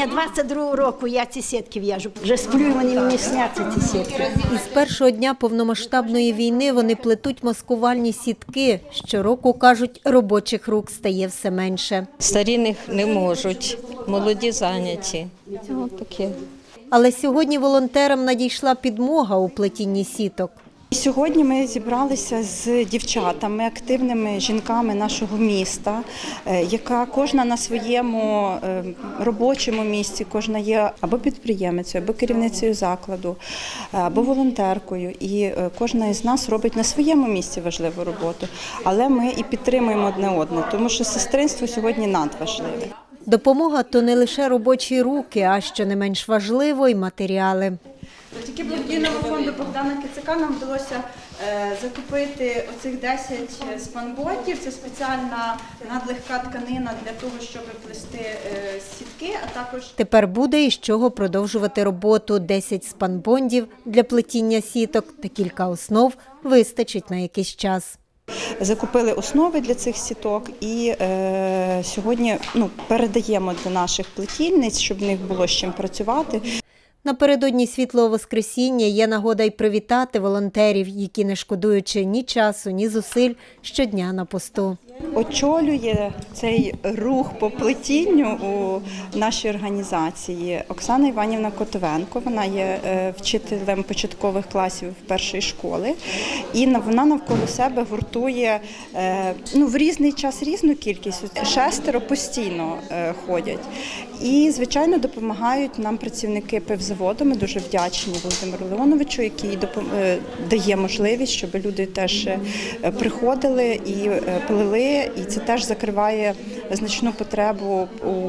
Ні, 22-го року я ці сітки в'яжу. Вже сплю, вони мені сняться, ці сітки. Із першого дня повномасштабної війни вони плетуть маскувальні сітки. Щороку, кажуть, робочих рук стає все менше. Старі не можуть, молоді зайняті. Ось таке. Але сьогодні волонтерам надійшла підмога у плетінні сіток. Сьогодні ми зібралися з дівчатами, активними жінками нашого міста, яка кожна на своєму робочому місці, кожна є або підприємицею, або керівницею закладу, або волонтеркою. І кожна із нас робить на своєму місці важливу роботу. Але ми і підтримуємо одне одне, тому що сестринство сьогодні надважливе. Допомога – то не лише робочі руки, а що не менш важливо – й матеріали. Завдяки благодійному фонду Богдана Кицака нам вдалося закупити оцих 10 спанботів. Це спеціальна надлегка тканина для того, щоб плести сітки, а також... Тепер буде із чого продовжувати роботу. 10 спанбондів для плетіння сіток та кілька основ вистачить на якийсь час. Закупили основи для цих сіток і сьогодні передаємо до наших плетільниць, щоб в них було з чим працювати. Напередодні Світлого Воскресіння є нагода й привітати волонтерів, які, не шкодуючи ні часу, ні зусиль, щодня на посту. Очолює цей рух по плетінню у нашій організації Оксана Іванівна Котовенко. Вона є вчителем початкових класів першої школи. І вона навколо себе гуртує в різний час різну кількість. 6 постійно ходять. І, звичайно, допомагають нам працівники пивзаводу. Ми дуже вдячні Володимиру Леоновичу, який дає можливість, щоб люди теж приходили і плели. І це теж закриває значну потребу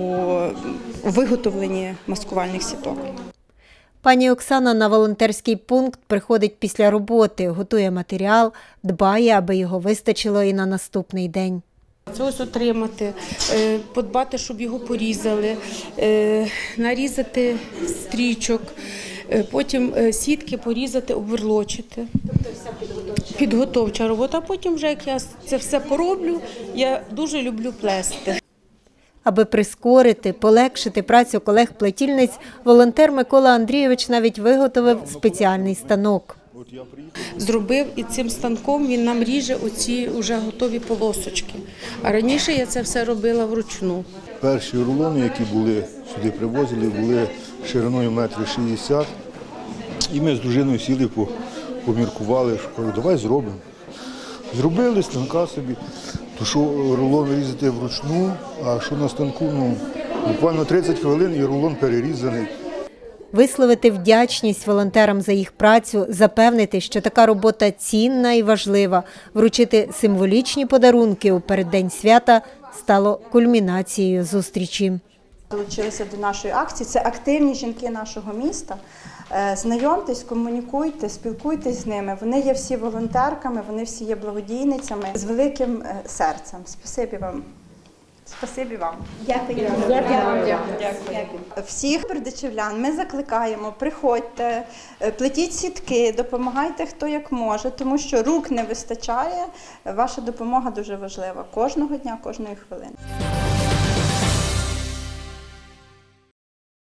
у виготовленні маскувальних сіток. Пані Оксана на волонтерський пункт приходить після роботи, готує матеріал, дбає, аби його вистачило і на наступний день. Це ось отримати, подбати, щоб його порізали, нарізати стрічок, потім сітки порізати, обверлочити. Підготовча робота, а потім вже як я це все пороблю, я дуже люблю плести. Аби прискорити, полегшити працю колег-плетільниць, волонтер Микола Андрійович навіть виготовив спеціальний станок. Зробив і цим станком він нам ріже оці вже готові полосочки. А раніше я це все робила вручну. Перші рулони, які були сюди привозили, були шириною 1,60 м. І ми з дружиною сіли, поміркували, що кажу, давай зробимо. Зробили станка собі, то що рулон різати вручну, а що на станку, буквально 30 хвилин і рулон перерізаний. Висловити вдячність волонтерам за їх працю, запевнити, що така робота цінна і важлива, вручити символічні подарунки у переддень свята стало кульмінацією зустрічі. Долучилися до нашої акції. Це активні жінки нашого міста. Знайомтесь, комунікуйте, спілкуйтесь з ними. Вони є всі волонтерками, вони всі є благодійницями з великим серцем. Спасибі вам. Спасибі вам. Дякую. Дякую. Всіх бердичівлян ми закликаємо, приходьте, плетіть сітки, допомагайте хто як може, тому що рук не вистачає. Ваша допомога дуже важлива кожного дня, кожної хвилини.